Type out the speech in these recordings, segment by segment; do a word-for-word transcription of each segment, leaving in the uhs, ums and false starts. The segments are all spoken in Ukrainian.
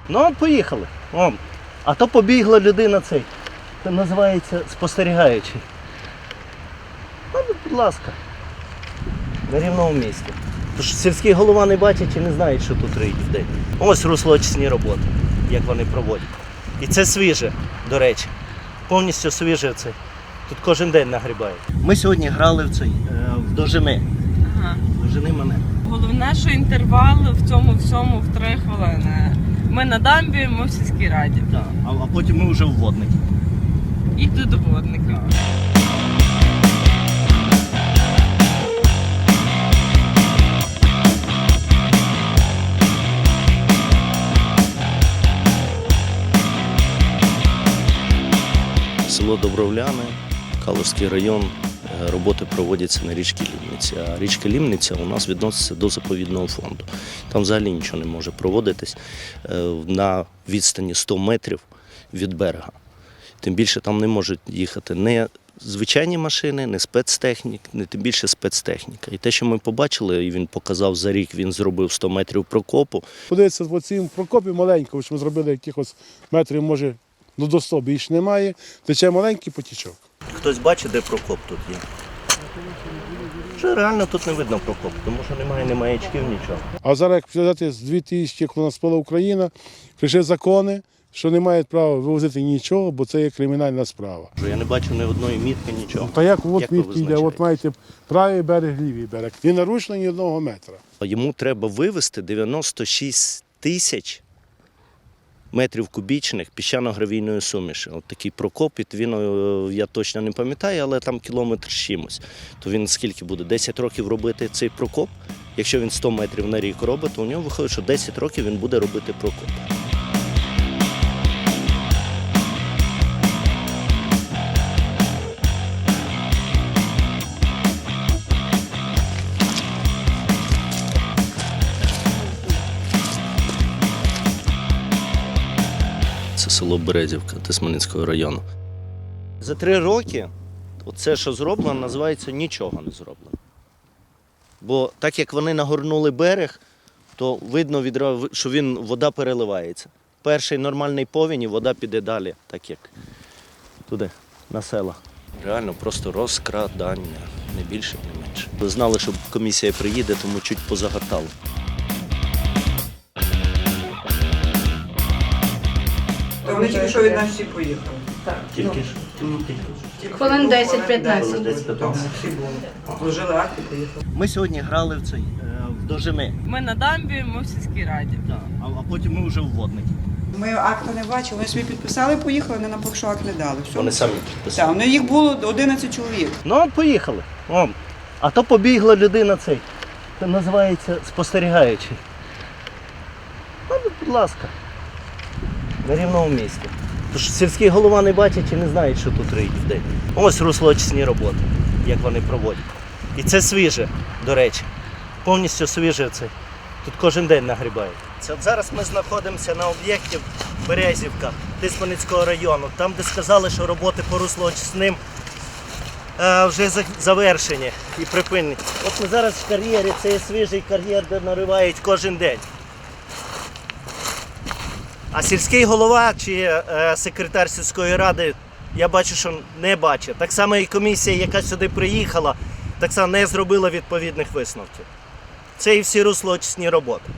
Ну от поїхали. О. А то побігла людина цей. Це називається спостерігаючий. Ну, будь ласка. На рівному місці. Тож сільський голова не бачить і не знає, що тут риють в день. Ось руслоочисні роботи, як вони проводять. І це свіже, до речі. Повністю свіже це. Тут кожен день нагрібають. Ми сьогодні грали в цей, в дожини. Ага. Дожини мене. Головне, що інтервал в цьому всьому в три хвилини. Ми на дамбі, ми в сільській раді. Так, а, а потім ми вже в водникі. І тут до водника. Село Добровляне, Калузький район, роботи проводяться на річці Лімниця. А річка Лімниця у нас відноситься до заповідного фонду. Там взагалі нічого не може проводитись на відстані сто метрів від берега. Тим більше там не можуть їхати не звичайні машини, не спецтехнік, не тим більше спецтехніка. І те, що ми побачили, і він показав за рік, він зробив сто метрів прокопу. Подивіться, в цьому прокопі маленькому, що ми зробили якихось метрів, може, ну до сто більше немає, тече маленький потічок. Хтось бачить, де прокоп тут є? Що реально тут не видно прокоп, тому що немає ні маячків, нічого. А зараз, як взяти з дві тисячі, коли нас була Україна, прийшли закони, що не мають права вивозити нічого, бо це є кримінальна справа. Я не бачу ні одної мітки, нічого. Та як от Як ви мітки йде, визначаєте? от маєте правий берег, лівий берег. Не нарушено ні одного метра. Йому треба вивезти дев'яносто шість тисяч метрів кубічних піщано-гравійної суміші. От такий прокоп, він, я точно не пам'ятаю, але там кілометр з чимось. То він скільки буде? десять років робити цей прокоп? Якщо він сто метрів на рік робить, то у нього виходить, що десять років він буде робити прокоп. Це село Березівка Тисменницького району. За три роки оце, що зроблено, називається нічого не зроблено. Бо так як вони нагорнули берег, то видно, відразу, що він, вода переливається. Перший нормальний повінь і вода піде далі, так як туди, на села. Реально просто розкрадання, не більше, не менше. Ви знали, що комісія приїде, тому чуть позагортали. То вони тільки що від нас всі поїхали. Так. Тільки ж? Хвилин десять-п'ятнадцять. Всі були. Служили акти, поїхали. Ми сьогодні грали в цей, в дожини. Ми на дамбі, ми в сільській раді. Так, а потім ми вже в водникі. Ми акта не бачили, вони собі підписали, поїхали, вони нам поки що акт не дали. Все. Вони самі Так, підписали. ну їх було одинадцять чоловік. Ну от поїхали. О. А то побігла людина цей. Це називається спостерігаючий. Ну, будь ласка. На рівному місці. Тож сільський голова не бачить і не знає, що тут риють в день. Ось руслоочисні роботи, як вони проводять. І це свіже, до речі. Повністю свіже це. Тут кожен день нагрібають. Це от зараз ми знаходимося на об'єкті Березівка Тисменницького району. Там, де сказали, що роботи по руслоочисним е, вже за- завершені і припинені. От ми зараз в кар'єрі, це є свіжий кар'єр, де наривають кожен день. А сільський голова чи е, секретар сільської ради, я бачу, що не бачить. Так само і комісія, яка сюди приїхала, так само не зробила відповідних висновків. Це і всі руслоочисні роботи.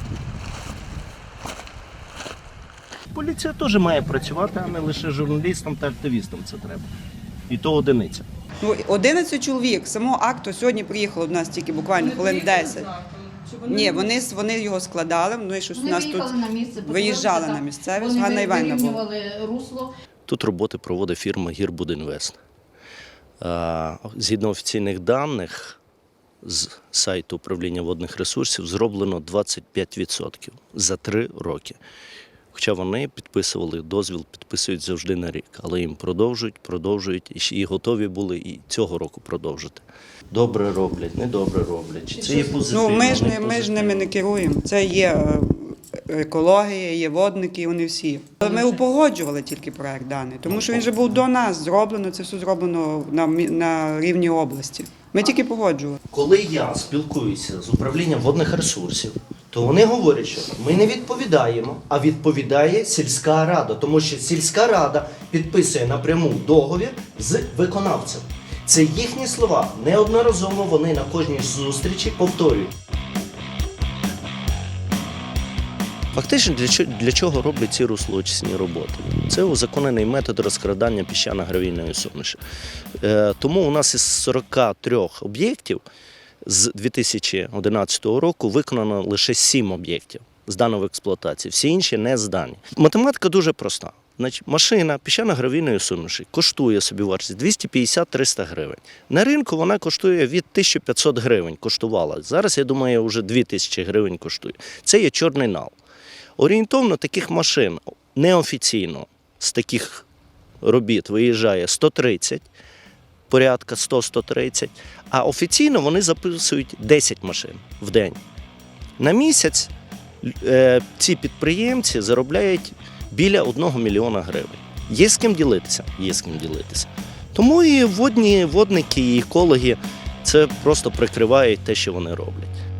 Поліція теж має працювати, а не лише журналістам та активістам це треба. І то одиниця. Ну, одинадцять чоловік. Самого акту сьогодні приїхало до нас тільки буквально хвилин десять. Ні, вони, вони його складали, ну і щось у Вони нас тут виїхали на місце, виїжджали подивилися, на місцевість, вони Ганна Іванівна була. вирівнювали русло. Тут роботи проводить фірма «Гірбудінвест». А, Згідно офіційних даних з сайту управління водних ресурсів зроблено двадцять п'ять відсотків за три роки. Хоча вони підписували дозвіл, підписують завжди на рік, але їм продовжують, продовжують і ще і готові були і цього року продовжити. Добре роблять, недобре роблять. Чи це є позитивно? Ну, ми ж, не не, ми ж позитивно? ними не керуємо. Це є е, екологія, є водники, вони всі. Але ми упогоджували тільки проект даний, тому що він вже був до нас зроблено, це все зроблено на, мі- на рівні області. Ми тільки погоджували. Коли я спілкуюся з управлінням водних ресурсів, то вони говорять, що ми не відповідаємо, а відповідає сільська рада, тому що сільська рада підписує напряму договір з виконавцем. Це їхні слова. Неодноразово вони на кожній зустрічі повторюють. Фактично, для чого, для чого роблять ці руслоочисні роботи? Це узаконений метод розкрадання піщано-гравійної суміші. Е, тому у нас із сорока трьох об'єктів з дві тисячі одинадцятого року виконано лише сім об'єктів, здано в експлуатацію. Всі інші не здані. Математика дуже проста. Значить, машина піщано-гравійної суміші коштує собівартість двісті п'ятдесят - триста гривень. На ринку вона коштує від тисячі п'ятсот гривень, коштувала. Зараз, я думаю, вже дві тисячі гривень коштує. Це є чорний нал. Орієнтовно таких машин неофіційно з таких робіт виїжджає сто тридцять, порядка сто - сто тридцять, а офіційно вони записують десять машин в день. На місяць е, ці підприємці заробляють біля одного мільйона гривень. Є з ким ділитися? Є з ким ділитися. Тому і водні, водники, і екологи це просто прикривають те, що вони роблять.